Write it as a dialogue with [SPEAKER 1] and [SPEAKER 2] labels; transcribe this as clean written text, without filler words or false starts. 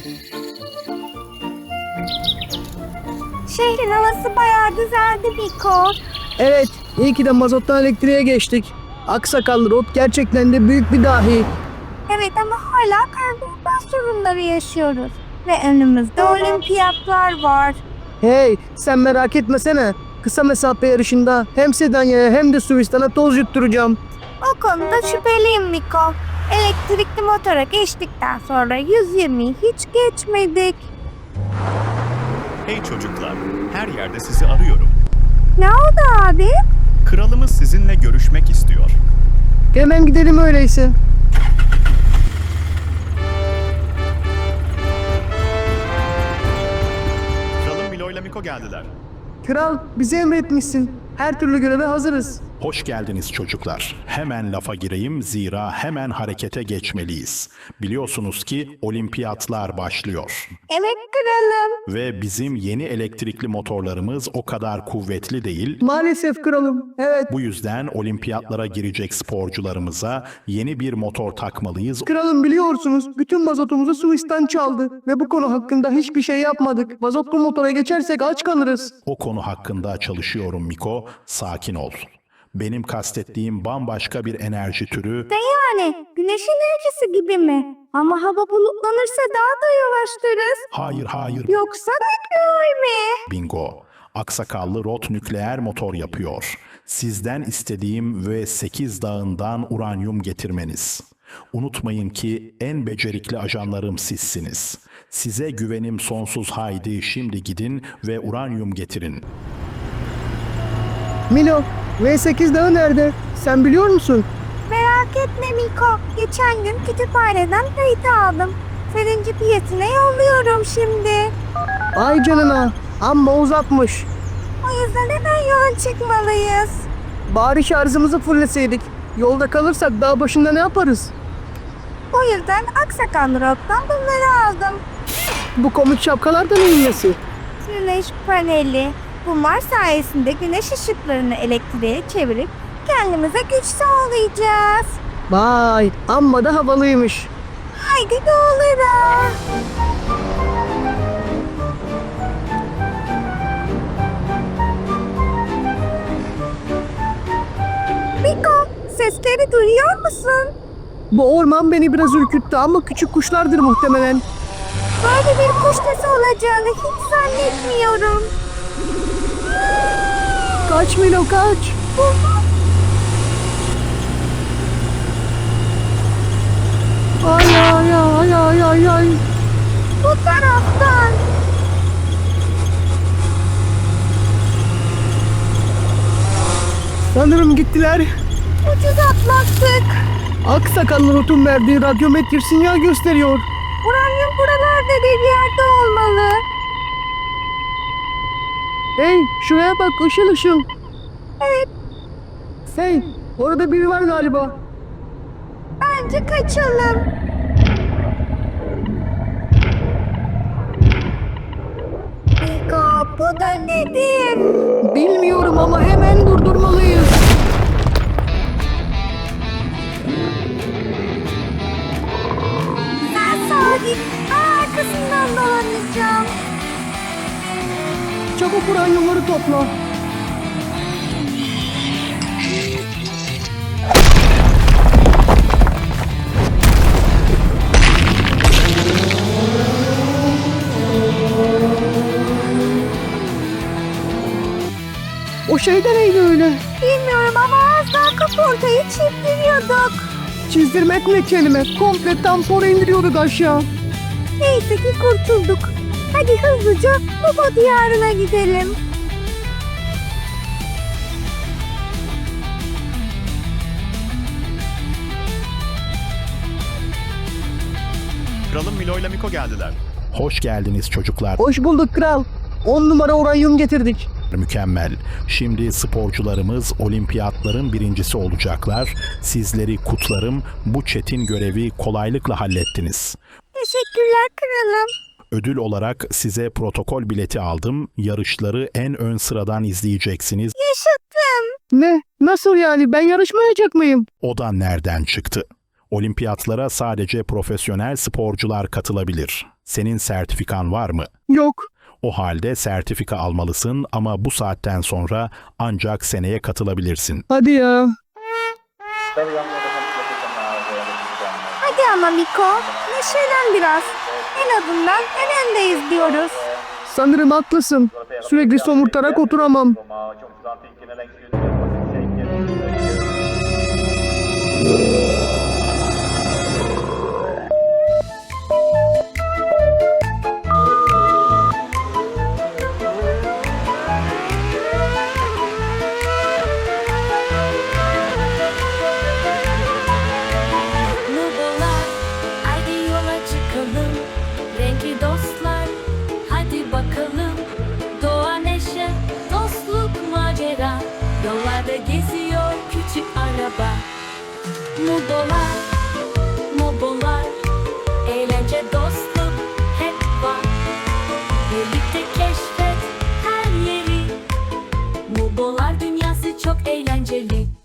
[SPEAKER 1] Şehrin havası bayağı güzeldi Miko.
[SPEAKER 2] Evet, iyi ki de mazottan elektriğe geçtik. Aksakallı Rot gerçekten de büyük bir dahi.
[SPEAKER 1] Evet ama hala karbonhidrat sorunları yaşıyoruz. Ve önümüzde olimpiyatlar var.
[SPEAKER 2] Hey, sen merak etmesene. Kısa mesafe yarışında hem Sedanya'ya hem de Suistan'a toz yutturacağım.
[SPEAKER 1] O konuda şüpheliyim Miko. Elektrikli motora geçtikten sonra 120'yi hiç geçmedik.
[SPEAKER 3] Hey çocuklar, her yerde sizi arıyorum.
[SPEAKER 1] Ne oldu abi?
[SPEAKER 3] Kralımız sizinle görüşmek istiyor.
[SPEAKER 2] Hemen gidelim öyleyse.
[SPEAKER 3] Kralım Milo ile Miko geldiler.
[SPEAKER 2] Kral, bize emretmişsin. Her türlü göreve hazırız.
[SPEAKER 4] Hoş geldiniz çocuklar. Hemen lafa gireyim zira hemen harekete geçmeliyiz. Biliyorsunuz ki olimpiyatlar başlıyor.
[SPEAKER 1] Evet kralım.
[SPEAKER 4] Ve bizim yeni elektrikli motorlarımız o kadar kuvvetli değil.
[SPEAKER 2] Maalesef kralım, evet.
[SPEAKER 4] Bu yüzden olimpiyatlara girecek sporcularımıza yeni bir motor takmalıyız.
[SPEAKER 2] Kralım biliyorsunuz, bütün mazotumuzu Suistan çaldı. Ve bu konu hakkında hiçbir şey yapmadık. Mazotlu motora geçersek aç kalırız.
[SPEAKER 4] O konu hakkında çalışıyorum Miko. Sakin ol. Benim kastettiğim bambaşka bir enerji türü.
[SPEAKER 1] Yani güneş enerjisi gibi mi? Ama hava bulutlanırsa daha da yavaşlarız.
[SPEAKER 4] Hayır.
[SPEAKER 1] Yoksa nükleer mi?
[SPEAKER 4] Bingo. Aksakallı Rot nükleer motor yapıyor. Sizden istediğim ve 8 dağından uranyum getirmeniz. Unutmayın ki en becerikli ajanlarım sizsiniz. Size güvenim sonsuz, haydi şimdi gidin ve uranyum getirin.
[SPEAKER 2] Milo, V8 dağı nerede? Sen biliyor musun?
[SPEAKER 1] Merak etme Miko. Geçen gün kütüphaneden harita aldım. Senin GPS'ine yolluyorum şimdi.
[SPEAKER 2] Ay canına, amma uzakmış.
[SPEAKER 1] O yüzden hemen yola çıkmalıyız.
[SPEAKER 2] Bari şarjımızı fulleseydik. Yolda kalırsak dağ başında ne yaparız?
[SPEAKER 1] O yüzden Aksakallı Rock'tan bunları aldım.
[SPEAKER 2] Bu komik şapkalar da neyin nesi?
[SPEAKER 1] Güneş paneli. Bunlar sayesinde güneş ışıklarını elektriğe çevirip kendimize güç sağlayacağız.
[SPEAKER 2] Vay, amma da havalıymış.
[SPEAKER 1] Haydi doğulara. Miko, sesleri duyuyor musun?
[SPEAKER 2] Bu orman beni biraz ürküttü ama küçük kuşlardır muhtemelen.
[SPEAKER 1] Böyle bir kuş sesi olacağını hiç zannetmiyorum.
[SPEAKER 2] Kaç Milo kaç. Ay.
[SPEAKER 1] Bu taraftan.
[SPEAKER 2] Sanırım gittiler.
[SPEAKER 1] Ucuz atlattık.
[SPEAKER 2] Aksakallı Rot'un verdiği radyometrik sinyal gösteriyor.
[SPEAKER 1] Uranyum buralarda bir yerde olmalı.
[SPEAKER 2] Hey, şuraya bak, ışıl.
[SPEAKER 1] Evet,
[SPEAKER 2] Hey, orada biri var galiba.
[SPEAKER 1] bence kaçalım. Miko, bu da nedir?
[SPEAKER 2] Bilmiyorum ama hemen durdurmalıyız.
[SPEAKER 1] Sen sağa git. Ben arkasından dolanacağım.
[SPEAKER 2] Çabuk uranyumları topla. O şey de neydi öyle?
[SPEAKER 1] Bilmiyorum ama az daha kaportayı çizdiriyorduk.
[SPEAKER 2] Çizdirmek ne kelime? Komple tamponu indiriyorduk aşağı.
[SPEAKER 1] Neyse ki kurtulduk. Hadi hızlıca Baba diyarına gidelim.
[SPEAKER 3] Kralım Milo ile Miko geldiler.
[SPEAKER 4] Hoş geldiniz çocuklar.
[SPEAKER 2] Hoş bulduk kral. 10 numara uranyum getirdik.
[SPEAKER 4] Mükemmel. Şimdi sporcularımız olimpiyatların birincisi olacaklar. Sizleri kutlarım. Bu çetin görevi kolaylıkla hallettiniz.
[SPEAKER 1] Teşekkürler kralım.
[SPEAKER 4] Ödül olarak size protokol bileti aldım. Yarışları en ön sıradan izleyeceksiniz.
[SPEAKER 1] Yaşattım.
[SPEAKER 2] Ne? Nasıl yani? Ben yarışmayacak mıyım?
[SPEAKER 4] O da nereden çıktı? Olimpiyatlara sadece profesyonel sporcular katılabilir. Senin sertifikan var mı?
[SPEAKER 2] Yok.
[SPEAKER 4] O halde sertifika almalısın ama bu saatten sonra ancak seneye katılabilirsin.
[SPEAKER 2] Hadi ya.
[SPEAKER 1] Hadi ama Miko, neşelen biraz. En azından en öndeyiz diyoruz.
[SPEAKER 2] Sanırım haklısın. Sürekli somurtarak oturamam.
[SPEAKER 5] Nubolar, haydi yola çıkalım. Renkli dostlar, hadi bakalım. Doğa neşe, dostluk macera. Yollarda geziyor küçük araba. Nubolar, Nubolar, eğlence dostluk hep var. Birlikte keşfet her yeri. Nubolar dünyası çok eğlenceli.